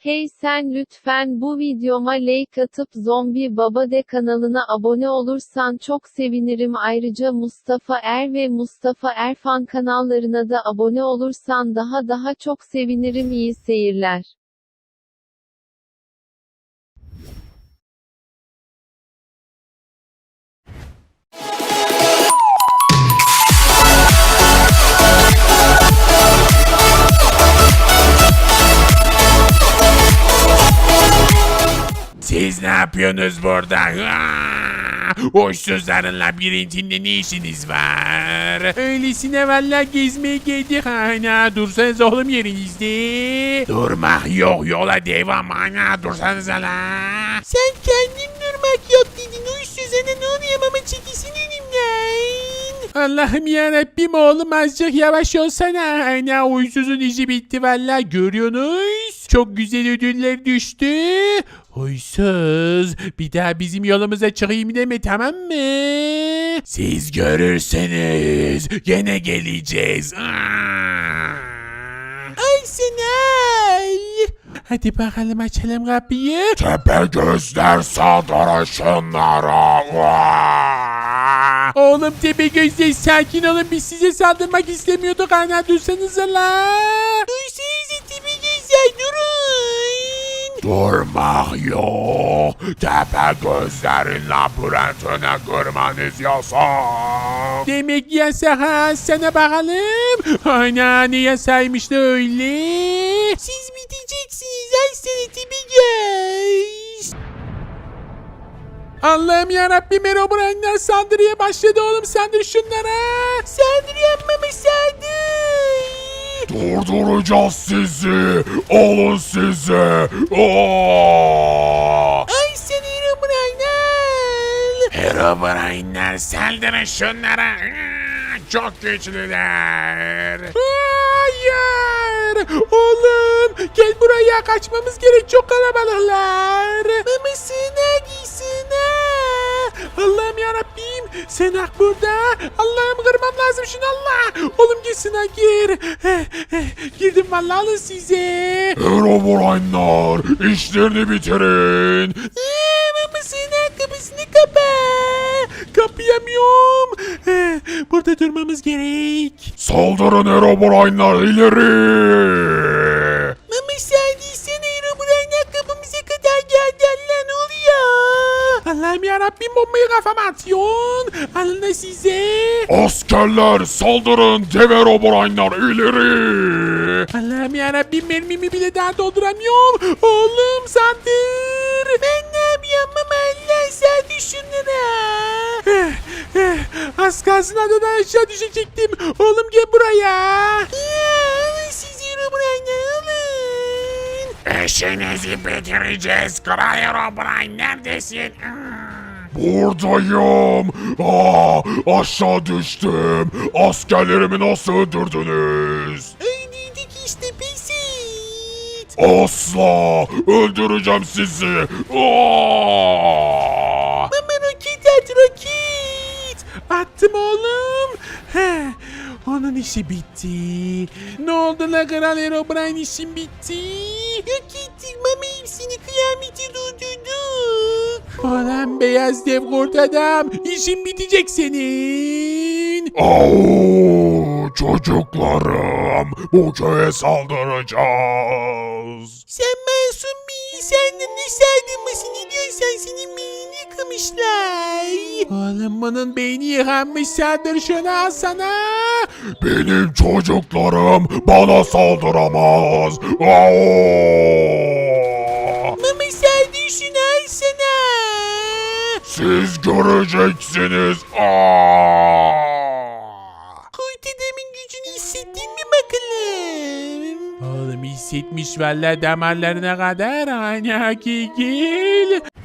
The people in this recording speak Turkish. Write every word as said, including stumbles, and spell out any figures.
Hey sen lütfen bu videoma like atıp Zombi Baba de kanalına abone olursan çok sevinirim. Ayrıca Mustafa Er ve Mustafa Erfan kanallarına da abone olursan daha daha çok sevinirim. İyi seyirler. Siz ne yapıyorsunuz burada? Hoşsuzların labirentinde ne işiniz var? Öylesine valla gezmeye geldik ana. Dursanız oğlum yerinizde. Durmak yok, yola devam ana. Dursanız la. Sen kendin durmak yok dedin. Hoşsuzana ne oluyor ama çekilsin elimden. Allah'ım yarabbim oğlum azıcık yavaş olsana. Ana huysuzun işi bitti valla görüyorsunuz. Çok güzel ödüller düştü. Huysuz bir daha bizim yolumuza çıkayım deme tamam mı? Siz görürseniz gene geleceğiz. Ay sen ay. Hadi bakalım açalım kapıyı. Tepe gözler saldır şunlara. Oğlum tepe gözler sakin olun biz size saldırmak istemiyorduk ana dursanıza la. Dursanıza tepe gözler durun. Durmak yok. Tepe gözlerin labirentine girmeniz yasak. Demek yasak ha sana bakalım. Ana ne yasaymış da öyle. Siz biteceksiniz ay sana tepe göz. Allah'ım yarabbim Herobrine'ler saldırıya başladı oğlum saldır şunlara. Saldırıyan mama saldır. Durduracağız sizi. Alın sizi. Aa! Ay sen Herobrine. Herobrine'ler saldırın şunlara. Çok güçlüler. Hayır. Oğlum gel buraya kaçmamız gerek çok kalabalıklar. Mama sığınağa giy sığınağa. Allah'ım yarabbim sen hak burada. Allah'ım kırmam lazım şunu Allah. Oğlum gitsin ha gir. Girdim vallahi alın size. Herobrine'lar işlerini bitirin. Eee mama sığınağa kapısını kapa. Kapayamıyorum. Burada durmamız gerek. Saldırın Herobrine'lar ileri. Mama sen değilsen Herobrine'ler kapımıza kadar geldi Allah ne oluyor? Allah'ım yarabbim bombayı kafama atıyorsun. Alın da size. Askerler saldırın dev Herobrine'lar ileri. Allah'ım yarabbim mermimi bile daha dolduramıyorum. Oğlum saldır. Ben ne yapıyorum mama Allah saldır şunlara. Eh, eh, Az kalsın adadan aşağı düşecektim. Oğlum gel buraya. Alın siz Herobrine'ler alın. İşinizi bitireceğiz Kral Herobrine neredesin? Buradayım. Aa, aşağı düştüm. Askerlerimi nasıl öldürdünüz? Öldürdük işte pesit. Asla öldüreceğim sizi. Aa! Mama roket at roket. Attım oğlum. He, onun işi bitti. Ne oldu la Kral Herobrine işin bitti. Yok ettik mama hepsini kıyameti durdurduk. Ulan beyaz dev kurt adam işin bitecek senin. Oo, çocuklarım bu köye saldıracağız. Sen masum bir insandın ne saldırması ne diyorsan senin beynini yıkamışlar. Oğlum bunun beyni yıkanmış saldır şunu al sana. Benim çocuklarım bana saldıramaz. Oo! Mama saldır şunu al sana. Siz göreceksiniz. Aa! Kurt adamın gücünü hissettin mi bakalım? Oğlum hissetmiş valla damarlarına kadar. Hani hakikil.